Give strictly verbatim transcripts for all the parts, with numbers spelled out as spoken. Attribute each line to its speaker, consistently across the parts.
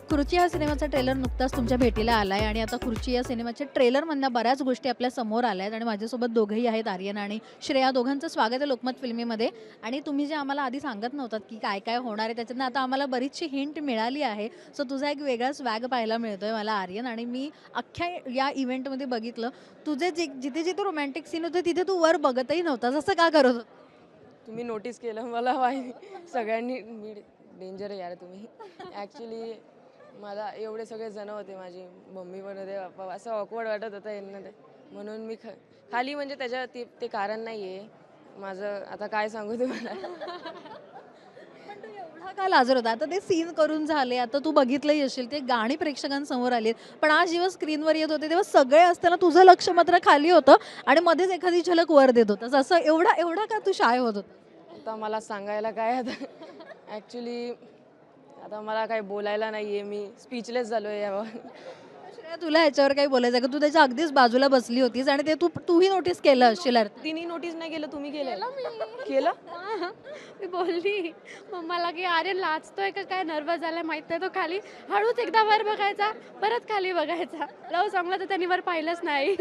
Speaker 1: खुर्ची या सिनेमाचा ट्रेलर नुकताच तुमच्या भेटीला आलाय आणि आता खुर्ची या सिनेमाच्या ट्रेलरमधनं बऱ्याच गोष्टी आपल्या समोर आल्या आहेत आणि माझ्यासोबत दोघंही आहेत, आर्यन आणि श्रेया. दोघांचं स्वागत आहे लोकमत फिल्मीमध्ये. आणि तुम्ही जे आम्हाला आधी सांगत नव्हतात की काय काय होणार आहे, त्याच्यातनं आता आम्हाला बरीचशी हिंट मिळाली आहे. सो तुझा एक वेगळा स्वॅग पाहायला मिळतोय मला, आर्यन. आणि मी अख्ख्या या इव्हेंटमध्ये बघितलं, तुझे जे जिथे जिथे रोमॅन्टिक सीन होते तिथे तू वर बघतही नव्हतास. असं का करत होता?
Speaker 2: तुम्ही नोटीस केलं मला माहिती सगळ्यांनी. मी डेंजर आहे यार तुम्ही. ॲक्च्युली मला एवढे सगळे जण होते, माझी मम्मी पण होते, पप्पा, असं ऑकवर्ड वाटत होतं यांना ते, म्हणून मी ख खाली म्हणजे त्याच्या ते ते कारण नाही आहे माझं. आता काय सांगू तुम्हाला.
Speaker 1: पण तू एवढा का लाजर होता? आता ते सीन करून झाले, आता तू बघितलंही असेल, ते गाणी प्रेक्षकांसमोर आली. पण आज जेव्हा स्क्रीनवर येत होते तेव्हा सगळे असताना तुझं लक्ष मात्र खाली होतं आणि मध्येच एखादी झलक वर देत होतास. असं एवढा एवढा का तू शाय होत होता?
Speaker 2: आता मला सांगायला काय आता. ॲक्च्युली आता मला काही बोलायला नाही आहे, मी स्पीचलेस झालो आहे यावर.
Speaker 1: श्रेया, तुला ह्याच्यावर काही बोलायचं आहे का? तू त्याच्या अगदीच बाजूला बसली होतीस आणि ते तू तूही नोटीस केलं असशील. अर्थ
Speaker 2: तिने नोटीस नाही केलं, तुम्ही केलं केलं
Speaker 3: हां, मी बोलली मम्माला की अरे लाजतोय का काय, नर्वस झालाय माहित नाही. तो खाली हळूच एकदा वर बघायचा, परत खाली बघायचा. लव सॉंगला तर त्यांनी वर पाहिलंच नाही.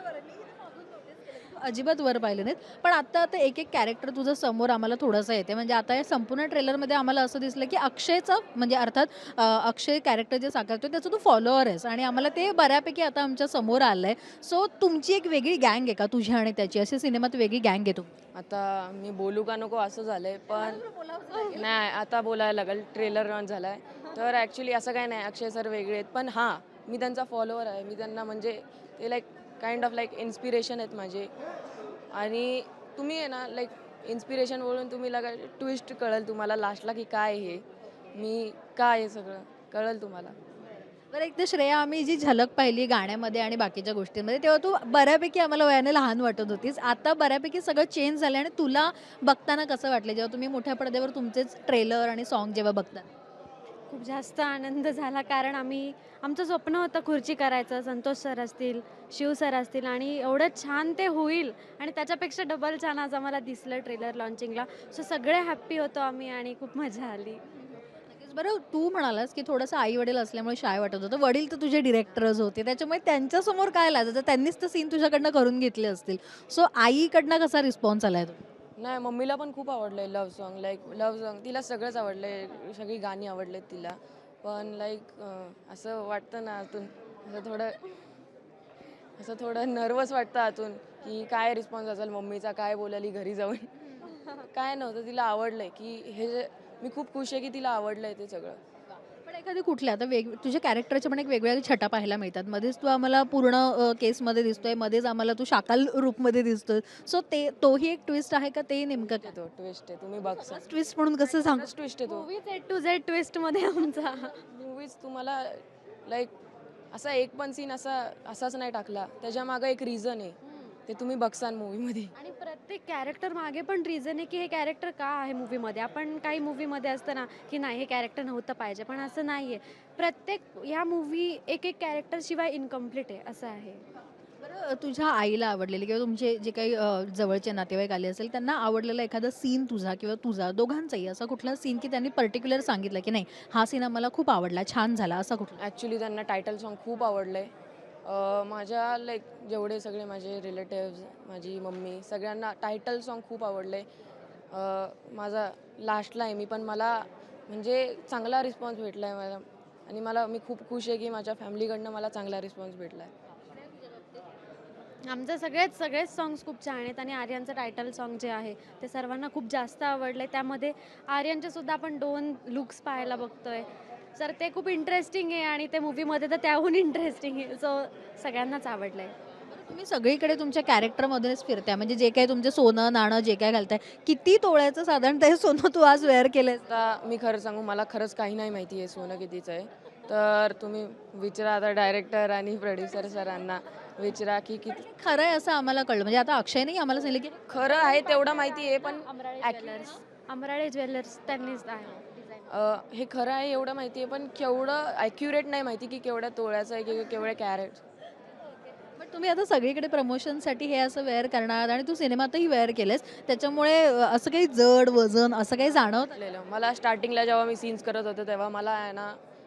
Speaker 1: अजिबात वर पाहिले नाहीत. पण आता आता एक एक कॅरेक्टर तुझं समोर आम्हाला थोडंसं येते. म्हणजे आता या संपूर्ण ट्रेलरमध्ये आम्हाला असं दिसलं की अक्षयचं, म्हणजे अर्थात अ, अक्षय कॅरेक्टर जे साकारतो त्याचं तू फॉलोअर आहेस आणि आम्हाला ते बऱ्यापैकी आता आमच्या समोर आलंय. सो तुमची एक वेगळी गँग आहे का तुझी आणि त्याची? अशी सिनेमात वेगळी गँग आहे तुम्ही?
Speaker 2: आता मी बोलू का नको असं झालंय, पण नाही आता बोलायला लागेल. ट्रेलर लॉन्च झालाय तर ॲक्च्युली असं काय नाही, अक्षय सर वेगळे आहेत, पण हां मी त्यांचा फॉलोअर आहे. मी त्यांना म्हणजे ते like kind of like inspiration आहेत माझे. आणि तुम्ही आहे ना लाईक इन्स्पिरेशन बोलून तुम्ही लगा ट्विस्ट कळेल तुम्हाला लास्टला की काय हे मी काय हे सगळं कळेल तुम्हाला.
Speaker 1: बरं, एक तर श्रेया, आम्ही जी झलक पाहिली गाण्यामध्ये आणि बाकीच्या गोष्टींमध्ये तेव्हा तू बऱ्यापैकी आम्हाला वयाने लहान वाटत होतीस. आता बऱ्यापैकी सगळं चेंज झालं आणि तुला बघताना कसं वाटलं जेव्हा तुम्ही मोठ्या पडद्यावर तुमचेच ट्रेलर आणि सॉन्ग जेव्हा बघता?
Speaker 3: खूप जास्त आनंद झाला, कारण आम्ही आमचं स्वप्न होतं खुर्ची करायचं. संतोष सर असतील, शिव सर असतील, आणि एवढं छान ते होईल आणि त्याच्यापेक्षा डबल छान आज आम्हाला दिसलं ट्रेलर लॉन्चिंगला. सो सगळे हॅप्पी होतो आम्ही आणि खूप मजा आली.
Speaker 1: नक्कीच. बरं, तू म्हणालास की थोडंसं आई वडील असल्यामुळे शाय वाटत होतं. वडील तर तुझे डिरेक्टरच होते, त्याच्यामुळे त्यांच्यासमोर काय लाजायचं? त्यांनीच तर सीन तुझ्याकडनं करून घेतले असतील. सो आईकडनं कसा रिस्पॉन्स आलाय तो?
Speaker 2: नाही, मम्मीला पण खूप आवडलंय love song. Like love song तिला सगळंच आवडलंय, सगळी गाणी आवडलेत तिला. पण लाईक असं वाटतं ना आतून, असं थोडं असं थोडं नर्वस वाटतं आतून की काय रिस्पॉन्स असेल मम्मीचा, काय बोलाली घरी जाऊन. काय नव्हतं, तिला आवडलंय की हे जे मी खूप खुश आहे की तिला आवडलंय ते सगळं.
Speaker 1: पण एखादी कुठल्या आता वेग तुझ्या कॅरेक्टरच्या पण एक वेगवेगळ्या छटा पाहायला मिळतात. मध्येच तू आम्हाला पूर्ण अ, केसमध्ये दिसतोय, मध्येच आम्हाला तू शाकाल रूपमध्ये दिसतोय. सो ते तोही एक ट्विस्ट आहे का? ते नेमकं काय?
Speaker 2: तो ट्विस्ट आहे, तुम्ही बघसा.
Speaker 1: ट्विस्ट म्हणून कसं सांग?
Speaker 2: ट्विस्ट आहे तो.
Speaker 3: मूवीज ए टू झेड ट्विस्टमध्ये आमचा.
Speaker 2: मूवीज तुम्हाला लाईक असा एक पण सीन असा असाच नाही टाकला, त्याच्या मागं एक रिझन आहे, ते तुम्ही बघसान मूवीमध्ये.
Speaker 3: आणि प्रत्येक कॅरेक्टर मागे पण रिझन आहे की हे कॅरेक्टर का आहे मूवीमध्ये. आपण काही मूवीमध्ये असतं ना की नाही हे कॅरेक्टर नव्हतं पाहिजे, पण असं नाही आहे. प्रत्येक ह्या मूवी एक एक कॅरेक्टर शिवाय इनकम्प्लीट आहे, असं आहे.
Speaker 1: बरं, तुझ्या आईला आवडलेली किंवा तुमचे जे काही अ, जवळचे नातेवाईक आले असेल त्यांना आवडलेला एखादा सीन तुझा किंवा तुझा, दोघांचाही असा कुठला सीन की त्यांनी पर्टिक्युलर सांगितलं की नाही हा सीन आम्हाला खूप आवडला, छान झाला, असा कुठला?
Speaker 2: ॲक्च्युली त्यांना टायटल सॉन्ग खूप आवडलं आहे. माझ्या लाईक जेवढे सगळे माझे रिलेटिव्ज, माझी मम्मी, सगळ्यांना टायटल सॉन्ग खूप आवडलं आहे. माझा लास्टला आहे मी, पण मला म्हणजे चांगला रिस्पॉन्स भेटला आहे मला. आणि मला मी खूप खुश आहे की माझ्या फॅमिलीकडनं मला चांगला रिस्पॉन्स भेटला आहे.
Speaker 3: आमचे सगळेच सगळेच सॉंग्स खूप छान आहेत आणि आर्यनचं टायटल सॉन्ग जे आहे ते सर्वांना खूप जास्त आवडलं आहे. त्यामध्ये आर्यनचे सुद्धा आपण दोन लुक्स पाहायला बघतोय, तर ते खूप इंटरेस्टिंग आहे आणि ते मूवीमध्ये तर त्याहून इंटरेस्टिंग आहे. सो सगळ्यांनाच आवडलं आहे.
Speaker 1: तुम्ही सगळीकडे तुमच्या कॅरेक्टरमधूनच फिरताय, म्हणजे जे काही तुमचे सोनं नाणं जे काय घालताय, किती तोळ्याचं साधारणतः हे सोनं तू आज वेअर केलंय?
Speaker 2: आता मी खरं सांगू, मला खरंच काही नाही माहिती आहे सोनं कितीचं आहे. तर तुम्ही विचारा आता डायरेक्टर आणि प्रोड्युसर सरांना विचारा की किती
Speaker 1: खरं आहे असं आम्हाला कळलं. म्हणजे आता अक्षयने आम्हाला सांगितलं की
Speaker 2: खरं आहे तेवढं माहिती आहे, पण
Speaker 3: अमराळे
Speaker 2: ॲक-
Speaker 3: ज्वेलर्स अमराळे ज्वेलर्स त्यांनीच आहे डिझाईन.
Speaker 2: अ, हे खरं आहे एवढं माहिती आहे, पण केवढं ॲक्युरेट नाही माहिती की केवढ्या तोळ्याचं आहे की केवढ्या कॅरेट.
Speaker 1: बट तुम्ही आता सगळीकडे प्रमोशनसाठी हे असं वेअर करणार आणि तू सिनेमातही वेअर केलेस, त्याच्यामुळे अ, असं काही जड वजन असं काही जाणवत?
Speaker 2: मला स्टार्टिंगला जेव्हा मी सीन्स करत होते तेव्हा मला आहे ना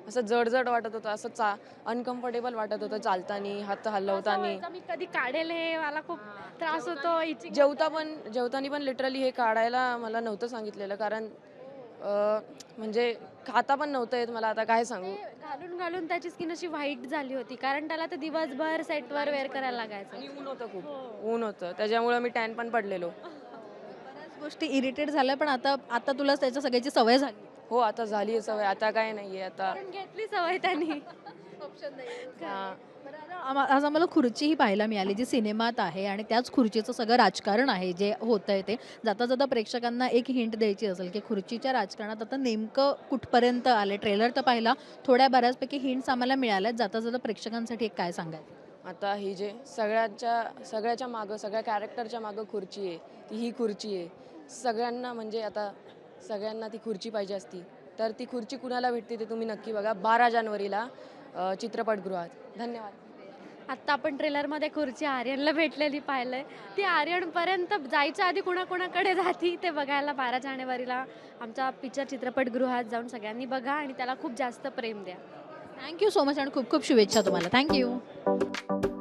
Speaker 2: असं जडजड वाटत होतं, असं चा अनकम्फर्टेबल वाटत होतं चालताना, हात
Speaker 3: असं
Speaker 2: हलवताना.
Speaker 3: व्हायचं, मी कधी काढेल हे, मला खूप त्रास होतो itching
Speaker 2: जेवता पण जेवताना पण लिटरली हे काढायला मला नव्हतं सांगितलेलं, कारण अं, म्हणजे खाता पण नव्हतं येत मला, आता काय सांगू.
Speaker 3: ते घालून घालून त्याची स्किन अशी व्हाईट झाली होती, कारण त्याला ते दिवसभर सेटवर वेअर करायला लागायचं.
Speaker 2: आणि ऊन होतं खूप, ऊन होतं त्याच्यामुळे मी टॅन पण पडलेलो.
Speaker 1: बऱ्याच गोष्टी इरिटेट झाल्या, पण आता आता तुला त्याच्या सगळ्याची सवय झाली.
Speaker 2: हो, आता झाली आहे सवय, आता काय नाहीये आता.
Speaker 3: कारण घेतली सवय त्यांनी.
Speaker 2: हा.
Speaker 1: बरं, आता आम्हा- आज आम्हाला खुर्चीही पाहायला मिळाली जी सिनेमात आहे आणि त्याच खुर्चीचं सगळं राजकारण आहे जे होत आहे ते. जाता जाता प्रेक्षकांना एक हिंट द्यायची असेल की खुर्चीच्या राजकारणात आता नेमकं कुठपर्यंत आले. ट्रेलर तर पाहिला, थोड्या बऱ्याचपैकी हिंट्स आम्हाला मिळाल्यात. जाता जाता प्रेक्षकांसाठी एक काय सांगायचं?
Speaker 2: आता ही जे सगळ्याच्या सगळ्याच्या मागं, सगळ्या कॅरेक्टरच्या मागं खुर्ची आहे, ती ही खुर्ची आहे. सगळ्यांना म्हणजे आता सगळ्यांना ती खुर्ची पाहिजे असती, तर ती खुर्ची कुणाला भेटते ते तुम्ही नक्की बघा बारा जानेवारीला अ, चित्रपटगृहात. धन्यवाद.
Speaker 3: आत्ता आपण ट्रेलरमध्ये खुर्ची आर्यनला भेटलेली पाहिलंय. ती आर्यनपर्यंत जायच्या आधी कुणाकुणाकडे जाती ते बघायला बारा जानेवारीला आमच्या पिक्चर चित्रपटगृहात जाऊन सगळ्यांनी बघा आणि त्याला खूप जास्त प्रेम द्या.
Speaker 1: थँक्यू सो मच आणि खूप खूप शुभेच्छा तुम्हाला. थँक्यू.